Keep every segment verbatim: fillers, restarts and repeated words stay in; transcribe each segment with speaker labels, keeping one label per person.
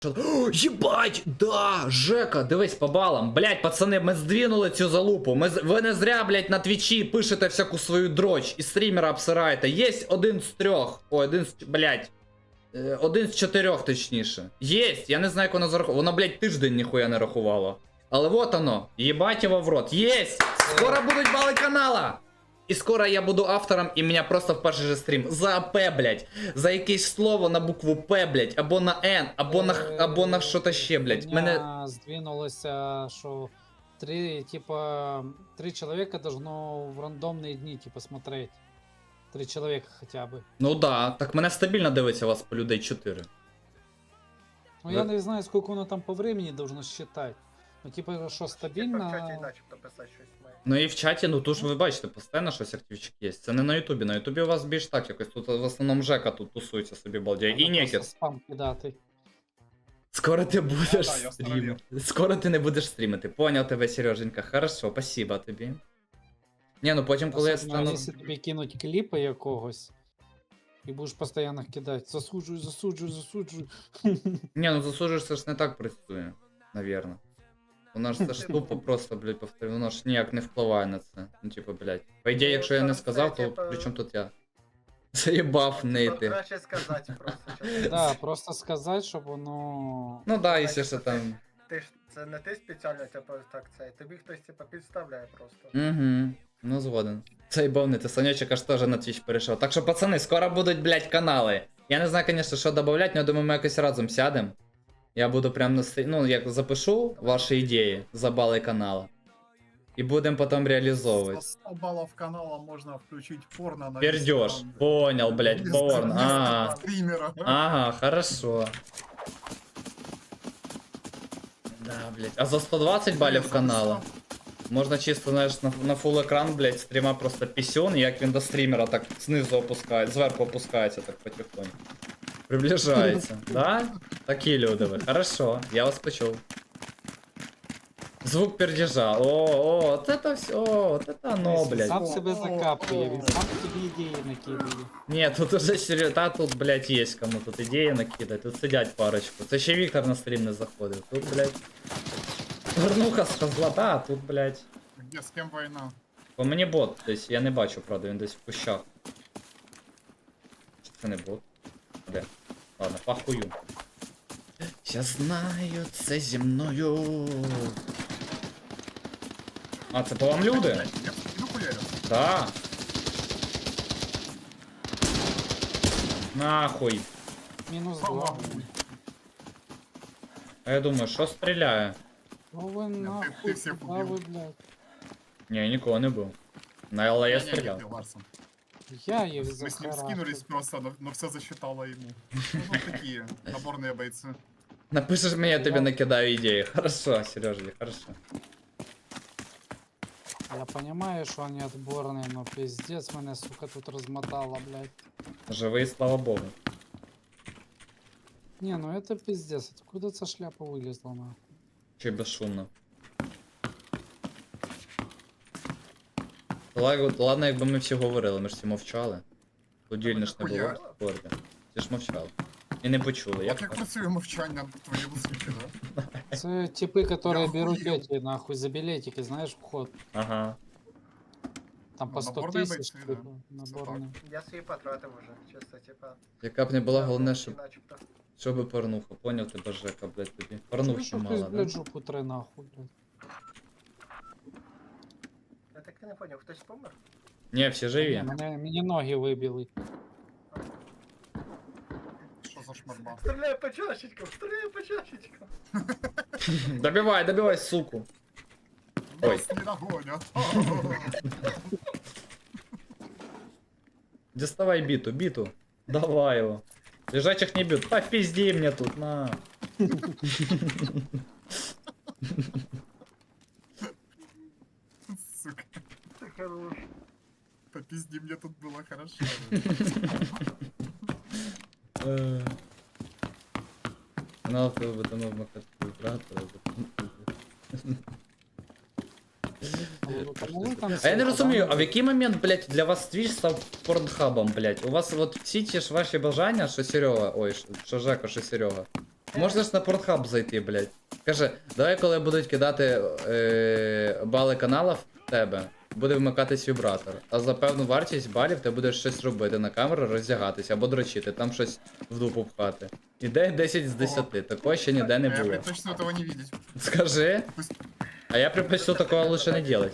Speaker 1: О, єбать! Да! Жека, дивись по балам. Блять, пацани, ми здвинули цю залупу. Ми, з- ви не зря, блять, на твічі пишете всяку свою дроч і стрімера обсираєте. Єсть один з трьох. Ой, один з... Блять. Е, Один з чотирьох, точніше. Єсть! Я не знаю, як воно зарахувало. Воно, блять, тиждень ніхуя не рахувало. Але вот оно. Єбать його в рот. Єсть! Скоро будуть бали канала! І скоро я буду автором, і мене просто в перший же стрім за АП, блять, за якесь слово на букву П, блять, або на Н, або на Х, або на що-то ще, блять. Мене...
Speaker 2: Меня сдвинулося, что три, типа, три человека должно в рандомные дни, типа, смотреть. Три человека хотя бы.
Speaker 1: Ну да, так мене стабільно дивиться вас по людей чотири.
Speaker 2: Ну
Speaker 1: Да.
Speaker 2: я не знаю, сколько воно там по времени должно считать. Ну, типа, що
Speaker 3: Типа в чаті
Speaker 2: стабільно.
Speaker 3: начебто писати щось має.
Speaker 1: Ну і в чаті, ну тут ж ви бачите, постійно щось активчик є. Це не на Ютубі, на Ютубі у вас більш так якось. Тут в основному Жека тут тусується собі балдяє. І
Speaker 2: Треба просто
Speaker 1: Некіт.
Speaker 2: спам кидати.
Speaker 1: Скоро ти будеш
Speaker 3: Да, я
Speaker 1: стрімити. Скоро ти не будеш стрімити. Поняв тебе, Сереженька. Хорошо, спасибо тобі. Ні, ну потім, коли я
Speaker 2: Особливо,
Speaker 1: стану.
Speaker 2: якщо тобі кинуть кліпи якогось, і будеш постійно кидати. Засуджую, засуджую, засуджую.
Speaker 1: Ні, ну засуджуєш, це ж не так працює, навірно. Воно ж це ж тупо просто, блядь, повторю, воно ж ніяк не впливає на це. Ну, типу, блядь. По ідеї, якщо я не сказав, то при чому тут я? Заєбав
Speaker 3: Ну,
Speaker 1: нейти.
Speaker 3: краще сказати просто. чесно.
Speaker 2: Да, просто сказати, щоб воно.
Speaker 1: Ну да, якщо що там.
Speaker 3: Ти ж це не ти спеціально, типу, так це. Тобі хтось типу підставляє просто.
Speaker 1: Угу, ну згоден. Цей бовнити, Санечек аж теж на Twitch перейшов. Так що, пацани, скоро будуть, блядь, канали. Я не знаю, звісно, що додавати, але я думаю, ми якось разом сядемо. Я буду прям на стрі... Ну, як запишу ваші ідеї за бали канала. І будемо потім реалізовувати.
Speaker 4: Со сто баллов канала можно включить порно на
Speaker 1: Пердеж.
Speaker 4: Инстаграм.
Speaker 1: Понял, блядь,
Speaker 4: Вместо-
Speaker 1: порн.
Speaker 4: вместо
Speaker 1: Ага.
Speaker 4: стримера.
Speaker 1: Ага, хорошо. Да, блядь. А за сто двадцать балів канала можна чисто, знаєш, на, на фул екран, блядь, стріма просто пісюн, як він до стрімера так знизу опускає, зверху опускається так потихоньку. Приближається. Да? Такі люди ви. Хорошо, я вас почув. Звук пердежа. О, о, от это все, от это оно, блядь.
Speaker 2: Сам себе закапує, він сам тобі ідеї накидує.
Speaker 1: Ні, тут уже серйозно, та тут, блядь, є кому тут ідеї накидати, тут сидять парочку. Це ще Віктор на стрім не заходив. Тут, блядь. Горнуха з козла, та, тут, блядь.
Speaker 4: Где с кем война?
Speaker 1: По мені бот десь, я не бачу, правда, він десь в кущах. Чи це не бот? Де? Ладно, похую. Я знаю, це зі мною. А, це по вам люди?
Speaker 4: Я в спину хуярю.
Speaker 1: Да. Нахуй.
Speaker 2: Мінус
Speaker 4: Слава
Speaker 2: два.
Speaker 4: Богу.
Speaker 1: А я думаю, що стріляє?
Speaker 2: Ну ви
Speaker 4: ти
Speaker 2: нахуй,
Speaker 4: всіх
Speaker 2: куда
Speaker 4: убив.
Speaker 2: ви, блядь.
Speaker 1: Ні, нікого не був. На Л я
Speaker 4: Не, не,
Speaker 1: стріляв.
Speaker 4: не, Ларсон.
Speaker 2: Я їх
Speaker 4: Мы с ним скинулись просто, но, но все засчитало ему. Ну, вот такие наборные бойцы.
Speaker 1: Напишеш мені, я тобі накидаю ідеї. Хорошо, Сережа, хорошо.
Speaker 2: Я понимаю, что они отборные, но пиздец мене, сука, тут размотало, блядь.
Speaker 1: Живий, слава Богу.
Speaker 2: Не, ну это пиздец. Откуда эта шляпа вылезла, нахуй?
Speaker 1: Чи й безшумно. Ладно, ладно, якби ми всі говорили, ми ж всі мовчали. Подільно ж не було в спорті. Всі ж мовчали. І не почули,
Speaker 4: Як
Speaker 1: як
Speaker 4: як
Speaker 1: так?
Speaker 4: працює мовчання в твоєму світі, да?
Speaker 2: Это типы, которые
Speaker 4: Я
Speaker 2: берут
Speaker 4: охуел.
Speaker 2: эти, нахуй, за билетики, знаешь, вход.
Speaker 1: Ага.
Speaker 2: Там по
Speaker 4: Ну,
Speaker 2: сто
Speaker 4: наборные
Speaker 2: тысяч,
Speaker 4: бойцы, да.
Speaker 2: типа, наборные.
Speaker 3: Я свої потратив уже, чисто, типа.
Speaker 1: Яка б не була, головне, щоб,
Speaker 3: Начебто.
Speaker 1: щоб порнуха. Поняв тебе, Жека, блядь, тобі.
Speaker 2: Чуешь,
Speaker 1: Порнухи
Speaker 2: что ты,
Speaker 1: мало, да?
Speaker 2: блядь, жопу тре, нахуй, блядь.
Speaker 3: Я так і не поняв, хтось помер?
Speaker 1: Ні, всі
Speaker 2: Не,
Speaker 1: живі.
Speaker 2: мене, мені ноги вибили.
Speaker 4: Що за шмарба?
Speaker 3: Стріляй по чашечкам, стріляй по чашечкам.
Speaker 1: Добивай, добивай, суку. Ой.
Speaker 4: Нас не догонят.
Speaker 1: Доставай биту, биту. Давай его. Лежачих не бьют. Попизди мне тут, на.
Speaker 4: Сука,
Speaker 3: Ти хорош.
Speaker 4: попизди, мне тут было хорошо.
Speaker 1: Э. Канал ФБ там вмикати вібратори.
Speaker 2: Ну, ви там
Speaker 1: А я не
Speaker 2: всі
Speaker 1: розумію, а в
Speaker 2: подали.
Speaker 1: який момент, блядь, для вас Twitch став порнхабом, блядь? У вас от всі ті ж ваші бажання, що Серега, ой, що- що Жека, що Серега. Можна ж на Pornhub зайти, блядь. Каже, давай, коли будуть кидати е, бали каналів в тебе, буде вмикатись вібратор. А за певну вартість балів ти будеш щось робити на камеру, роздягатися або дрочити, там щось в дупу пхати. Ідея десять з десяти, такого ще ніде не
Speaker 4: Я
Speaker 1: було.
Speaker 4: предпочту этого не видеть.
Speaker 1: Скажи,
Speaker 4: Пусть...
Speaker 1: а я предпочту такого лучше не делать.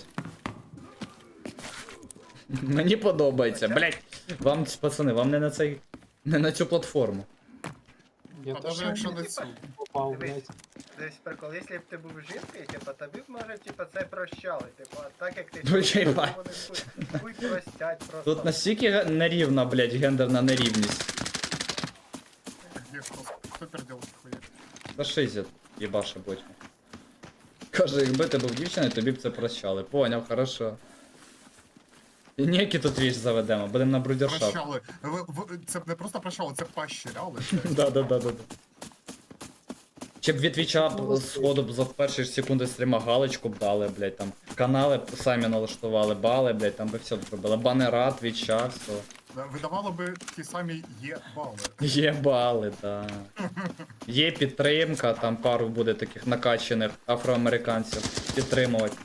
Speaker 1: Мені подобається, блядь. Вам, пацани, вам не на цей. Не на цю платформу.
Speaker 2: Я
Speaker 4: А
Speaker 2: теж
Speaker 4: даже якщо не цю.
Speaker 2: попав,
Speaker 3: Дивись.
Speaker 2: блядь.
Speaker 3: Десь прикол, якщо б ти був жінкою, типа, тобі б може, типа, це прощали, типа, а так як ти
Speaker 1: Ну,
Speaker 3: чоловік,
Speaker 1: їбать.
Speaker 3: то вони хуй- хуй простять просто.
Speaker 1: Тут настільки ге- нерівна, блядь, гендерна нерівність.
Speaker 4: Где кто, кто переделки хуя?
Speaker 1: Та шизя, їбаша будь. Каже, якби ти був дівчиною, тобі б це прощали. Поняв, хорошо. І ніякі тут віч заведемо, будемо на брудершафт.
Speaker 4: Прощали. Ви- ви- Це не просто прощали, це поощряли.
Speaker 1: Да, да, да, да. да. Чи б від твіча б сходу б за перші ж секунди стріма галочку б дали, блядь, там. Канали б самі налаштували, бали, блядь, там би все зробили. Банера, твіча, все.
Speaker 4: Видавало би ті самі є бали.
Speaker 1: Є бали, да. Є підтримка, там пару буде таких накачаних афроамериканців підтримувати.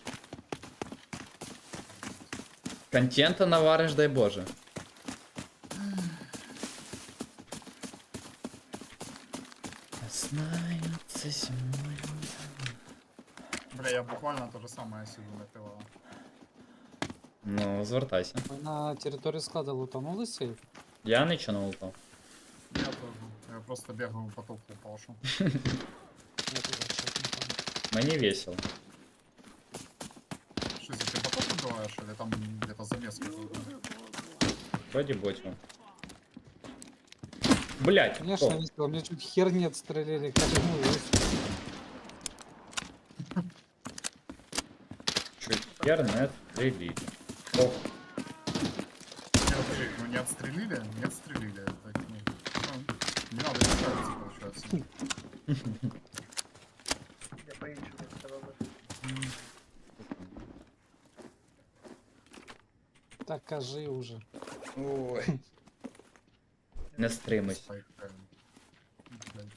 Speaker 1: Контента навариш, дай Боже. Знаю, це зимою.
Speaker 4: Бля, я буквально то же самое сижу на ТВА.
Speaker 1: Ну, звертайся.
Speaker 2: Ми на території складу лутанули сейф.
Speaker 1: Я нічого не лутав.
Speaker 4: Я тоже. Я просто бегаю по толку пашу.
Speaker 2: Я туди щас не пам'ятаю.
Speaker 1: Мені весело.
Speaker 4: Что, ты поток убиваешь или там где-то замеска?
Speaker 1: Вроді бочу. Блять,
Speaker 2: Конечно, весело. Мне чуть хер не отстрелили. Как ну, весело.
Speaker 1: чуть хер не стрілі. Ох,
Speaker 4: Нет, ну не отстрелили? Не отстрелили. Так, ну, ну, не надо не ставиться, получается.
Speaker 3: Я по-іншому це роблю.
Speaker 2: Так кажи уже.
Speaker 1: ой. Не стримуйся.
Speaker 4: Спайк, э, блядь.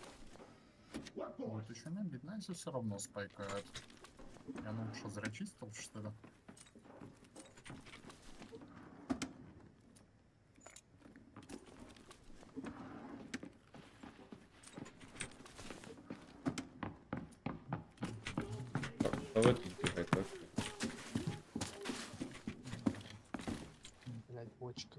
Speaker 4: Вот еще не обидно, если все равно спайкает. Я ну что, зря чистил, что ли?
Speaker 1: Так, та ви тут бігайте.
Speaker 2: Блять, бочка.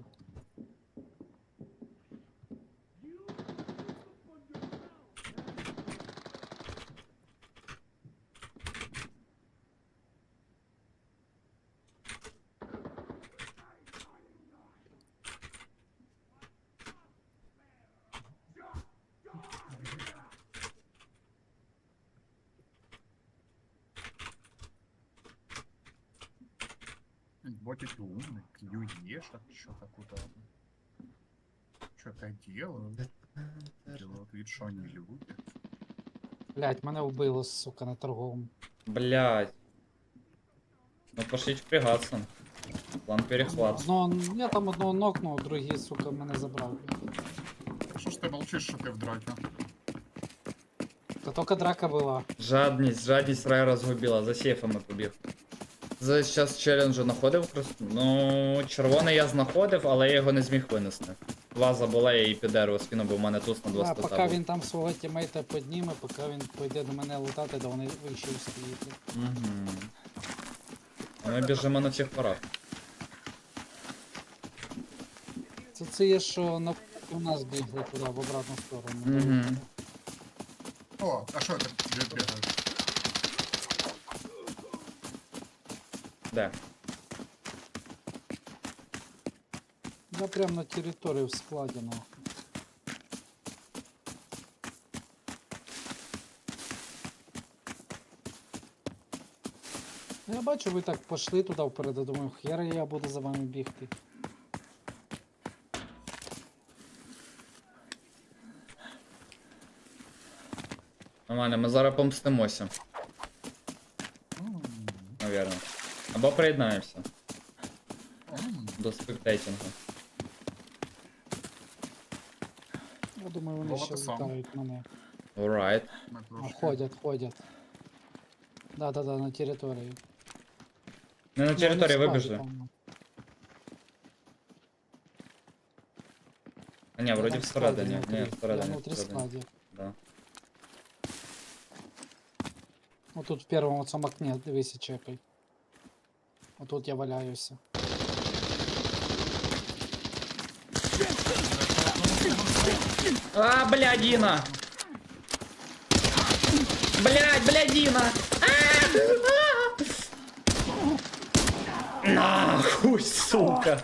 Speaker 4: Ботики умный, клюешь, что-то куда. Что-то делают. Делают вид, что они люди.
Speaker 2: Блять, мене вбило, сука, на торговому.
Speaker 1: Блять. Ну пошліть впрягаться. План перехват.
Speaker 2: Одного, я там одного нокнув, другий, сука, мене забрав.
Speaker 4: Что ж ты молчишь, что ты в драке?
Speaker 2: Та тільки драка була.
Speaker 1: Жадність, жадність рай розгубила, за сейфами побіг. За час челенджу знаходив крас- Ну, червоний я знаходив, але я його не зміг винести. Ваза була, я її під дерево скинув, бо в мене туз на два
Speaker 2: Да,
Speaker 1: стата
Speaker 2: поки
Speaker 1: був.
Speaker 2: він там свого тімейта підніме, поки він пойде до мене лутати, то вони вище стоїть.
Speaker 1: Угу. А ми біжимо на всіх парах.
Speaker 2: Це це є, що на у нас бігли туди, в обратну сторону.
Speaker 1: Угу.
Speaker 4: О, а что это бе- бегает?
Speaker 1: Де?
Speaker 2: Я прям на території в складі, нахуй. Я бачу, ви так пішли туди вперед, я думаю, хера я буду за вами бігти.
Speaker 1: Нормально, ми зараз помстимося,
Speaker 4: М,
Speaker 1: навірно. Або приєднаємося
Speaker 4: м.
Speaker 1: до спектейтингу.
Speaker 2: Я думаю, вони
Speaker 4: Вова,
Speaker 2: ще
Speaker 4: ти сам?
Speaker 2: лутають мене.
Speaker 1: Alright.
Speaker 4: Ми
Speaker 2: А,
Speaker 4: трошки...
Speaker 2: ходять, ходять. Да-да-да, на території.
Speaker 1: Не на
Speaker 2: Ну,
Speaker 1: території
Speaker 2: вони в складі,
Speaker 1: вибіжли.
Speaker 2: по-моєму.
Speaker 1: А ні,
Speaker 2: Я
Speaker 1: вроді
Speaker 2: там в складі
Speaker 1: всередині.
Speaker 2: внутрі.
Speaker 1: Ні,
Speaker 2: Я
Speaker 1: всередині.
Speaker 2: внутрі
Speaker 1: всередині.
Speaker 2: складі.
Speaker 1: Да.
Speaker 2: Вот тут в первом вот цьому окне, дивися, чекай. Вот тут я валяюся.
Speaker 1: А, блядина! Блядь, блядина! А! А! Нахуй, сука!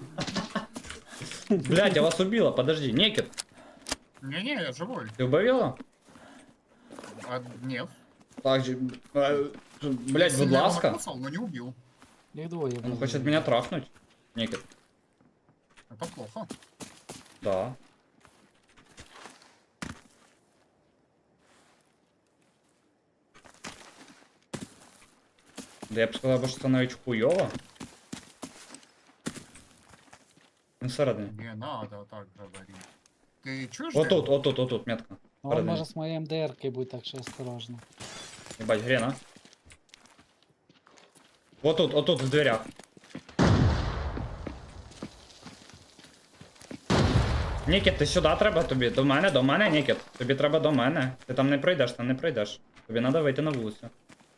Speaker 1: Блядь, я вас убила, подожди, Некит,
Speaker 4: Не-не, я живой.
Speaker 1: ты убавила?
Speaker 4: А, нет.
Speaker 1: Так, же, э, блядь, будь
Speaker 4: Сильно его
Speaker 1: ласка.
Speaker 4: накоцал, но не убил.
Speaker 2: Їх двоє.
Speaker 1: Он
Speaker 2: блін.
Speaker 1: хочет меня трахнуть. Некит.
Speaker 4: Это плохо.
Speaker 1: Да. Да я б сказав, що це навіть хуйово. Ну, всередині.
Speaker 4: Не надо так говорить. Ты чуешь?
Speaker 1: Отут, отут, отут, метка.
Speaker 2: Ну, он
Speaker 1: Всередині.
Speaker 2: може з моєю МДРкою бути, так що осторожно.
Speaker 1: Ебать, грена. Вот тут, вот тут в дверях. Нікіт, ти сюди треба тобі. До мене, до мене, Нікіт. Тобі треба до мене. Ти там не пройдеш, там не пройдеш. Тобі треба вийти на вулицю.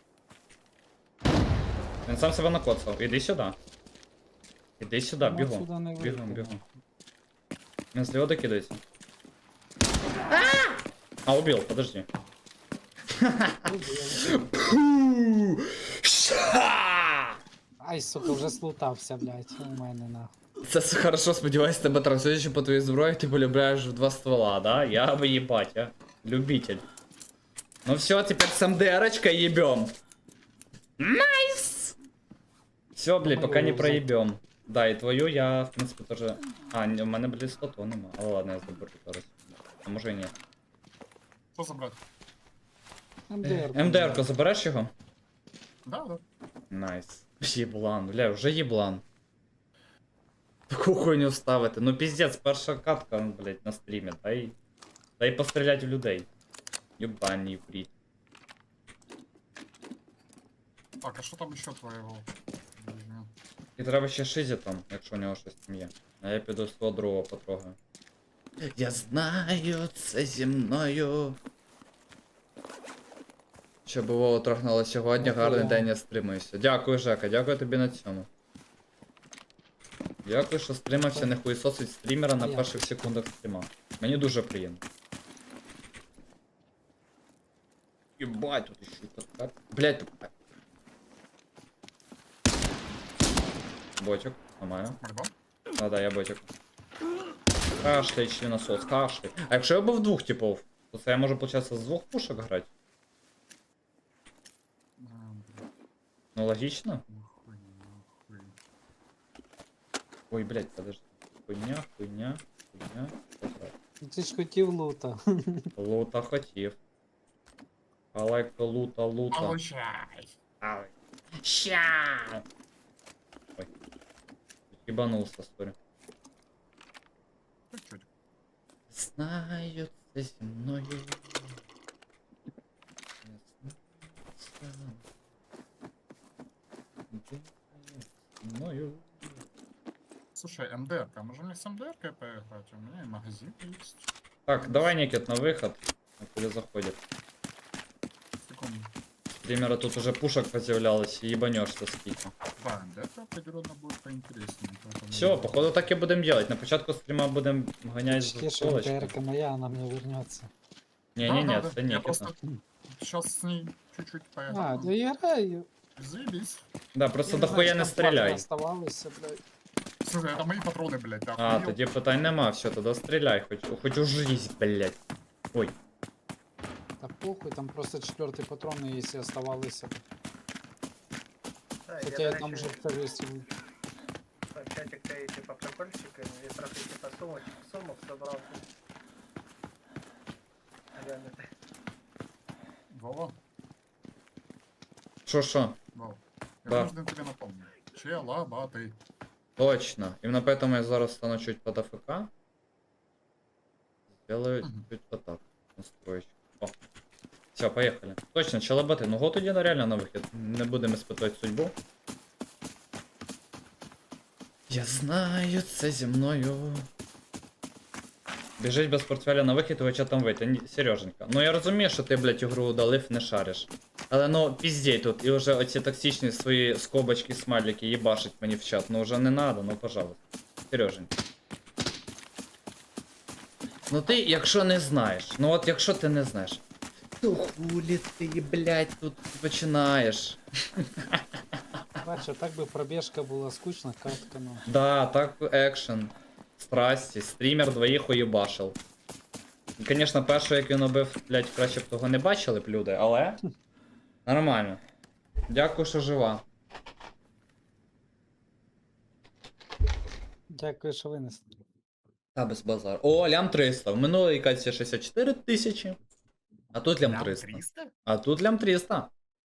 Speaker 1: Він сам себе накоцав. Іди сюди. Іди сюди,
Speaker 2: Ну,
Speaker 1: бігом.
Speaker 2: отсюда не
Speaker 1: Бігом,
Speaker 2: вийти.
Speaker 1: бігом. Він зліва докидається. А, убил, подожди.
Speaker 2: Ай, сука, вже слутався, блядь, у мене нахуй.
Speaker 1: Це все хорошо, сподіваюсь, тебе транслюючи по твоїй зброї, ти полюбляєш в два ствола, да? Я бы ебать, а. Любитель. Ну все, теперь с МДРочкой ебем. Найс! Все, блядь,
Speaker 2: Мою
Speaker 1: пока не
Speaker 2: взять.
Speaker 1: проебем. Да, и твою я, в принципе, тоже... А, ні, у мене, блядь, слоту нема. Але ладно, я заберу зараз. А може і ні.
Speaker 4: Что забрать?
Speaker 2: МДР.
Speaker 1: МДРку, забереш його?
Speaker 4: Да, да.
Speaker 1: Найс. Єблан, бля, вже єблан. Таку хуйню ставити. Ну піздець, перша катка, блядь, на стрімі. Дай. Дай постріляти в людей. Юбані фрі.
Speaker 4: Так, а что там еще твоего? Блин.
Speaker 1: І треба ще шизі там, якщо у нього щось там є. А я піду з того другого потрогаю. Я знаю, це зі мною. Щоб Вова трохнуло сьогодні,
Speaker 2: Ну,
Speaker 1: гарний
Speaker 2: я.
Speaker 1: день, я стримуюся. Дякую, Жека, дякую тобі на цьому. Дякую, що стримався, не хуєсосить стрімера на
Speaker 2: Я.
Speaker 1: перших секундах стріма. Мені дуже приємно. Єбать, тут ще й така. Блять, тут. Ботик, ламаю.
Speaker 4: Мордон?
Speaker 1: А, да, я ботик. Кашляй, членосос, кашляй. А якщо я був двох типов, то це я можу, получается, з двох пушок грати?
Speaker 4: А, блин,
Speaker 1: Ну, логично.
Speaker 4: нахуй, нахуй.
Speaker 1: Ой, блять, подожди. Хуйня, хуйня, хуйня.
Speaker 2: Ти ж хотів лута.
Speaker 1: Лута хотів. Алайка, лута, лута.
Speaker 4: Получай.
Speaker 1: Ай. Ща! Ой. Ебанулся, сори.
Speaker 4: Чуть-чуть.
Speaker 1: Знаю, це зі мною. Не знаю, це зі мною.
Speaker 4: Слушай, МДРка, можем ли с МДРкой поиграть? У меня и магазин есть.
Speaker 1: Так, давай, Никит, на выход. А куда заходит?
Speaker 4: Секунду.
Speaker 1: Стримера тут уже пушек поз'являлось, и ебанешься скільки.
Speaker 4: Да, МДРка определенно будет поинтереснее. поэтому-
Speaker 1: Все, походу так и будем делать. На початку стрима будем гонять
Speaker 2: Почти
Speaker 1: з
Speaker 2: що
Speaker 1: полочки.
Speaker 2: МДРка моя, вона мені вернеться.
Speaker 1: Не-не-не,
Speaker 4: Да, да,
Speaker 1: це
Speaker 4: да. Я
Speaker 1: Никита.
Speaker 4: просто сейчас с ней чуть-чуть
Speaker 2: А,
Speaker 4: поиграю.
Speaker 2: да я граю.
Speaker 4: Заебись.
Speaker 1: Да, просто
Speaker 2: Я не
Speaker 1: дохуя
Speaker 2: знаю,
Speaker 1: не
Speaker 2: що там патрони
Speaker 1: стріляй.
Speaker 2: Оставалося, блядь.
Speaker 4: Слушай, это мои патроны, блядь, да.
Speaker 1: А,
Speaker 4: охуел?
Speaker 1: тоді питань нема, все, тоді стріляй, хоч, хоч у жизнь, блядь. Ой,
Speaker 2: Та похуй, там просто четвертий патрон, якщо оставалися.
Speaker 3: Да,
Speaker 2: Хоча
Speaker 3: я,
Speaker 2: я
Speaker 3: до
Speaker 2: там
Speaker 3: речі,
Speaker 2: вже повісив.
Speaker 3: так, чатик цей, типа, прикольчики, і трохи, типа, сумок, сумок собрав. Глянете.
Speaker 4: Вова,
Speaker 1: що що?
Speaker 4: Вова. Я
Speaker 1: Да.
Speaker 4: вынужден тебе напомнить.
Speaker 1: Делаю
Speaker 4: Мгм.
Speaker 1: чуть вот так. Настроечку. О. Все, поехали. Точно, челобати. Ну го тоді на реально на вихід. Не будемо испытувати судьбу. Я знаю, це зі мною. Біжить без портфеля на вихід, ви там вийти. Ні, Сереженька. Ну я розумію, що ти, блядь, ігру удалив, не шариш. Але ну, піздей тут, і вже оці токсичні свої скобочки, смайлики їбашить мені в чат. Ну вже не надо, ну пожалуйста. Сереженька. Ну ти, якщо не знаєш, ну от якщо ти не знаєш, то хулі ти, блядь, тут починаєш.
Speaker 2: Бачу, так би пробіжка була скучна, катка, ну.
Speaker 1: Да, так екшен. Страсті, стрімер двоїх уєбашив. Звісно, першого, як він убив, блядь, краще б того не бачили б люди, але. Нормально. Дякую, що жива.
Speaker 2: Дякую, що винесли.
Speaker 1: Та без базару. О, лям триста. В минулій катці шістдесят чотири тисячі. А тут лям
Speaker 4: Лям
Speaker 1: триста.
Speaker 4: триста?
Speaker 1: А тут лям триста.